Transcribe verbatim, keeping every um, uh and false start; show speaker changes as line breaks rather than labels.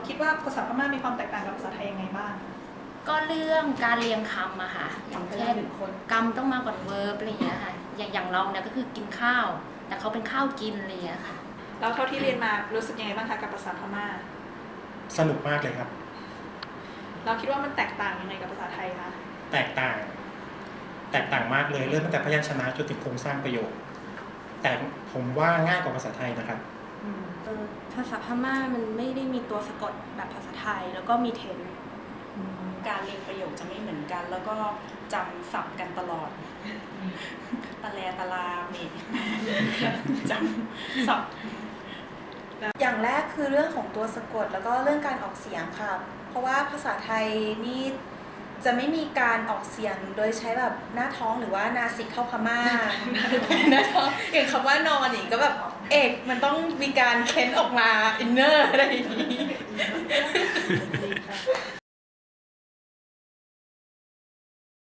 คิดว่าภาษาพม่ามีความแตกต่างกับภาษาไทยยังไงบ้าง
ก็เรื่องการเรียงคำอะค่ะอย่างเช่นกรรมต้องมาก่อนเวิร์บอะไรอย่างเงี้ยค่ะอย่างอย่างเราเนี่ยก็คือกินข้าวแต่เขาเป็นข้าวกินอะไรอย่างเงี้ยค่ะ
แล้วเท่าที่เรียนมารู้สึกยังไงบ้างคะกับภาษาพม่า
สนุกมากเลยครับ
เราคิดว่ามันแตกต่างยังไงกับภาษาไทยคะ
แตกต่างแตกต่างมากเลยเริ่มตั้งแต่พยัญชนะจนถึงโครงสร้างประโยคแต่ผมว่าง่ายกว่าภาษาไทยนะครับ
ภาษาพม่ามันไม่ได้มีตัวสะกดแบบภาษาไทยแล้วก็มีเทน
การเรียงประโยคจะไม่เหมือนกันแล้วก็จำศัพท์กันตลอดตะแลตะลาเมดจำศัพท์
อย่างแรกคือเรื่องของตัวสะกดแล้วก็เรื่องการออกเสียงค่ะเพราะว่าภาษาไทยนี่จะไม่มีการออกเสียงโดยใช้แบบหน้าท้องหรือว่านาสิกเข้าพม่าหน้าท้องอย่างคำว่านอนนี่ก็แบบเอกมันต้องมีการเค้นออกมาอินเนอร์อะไรอย่างนี้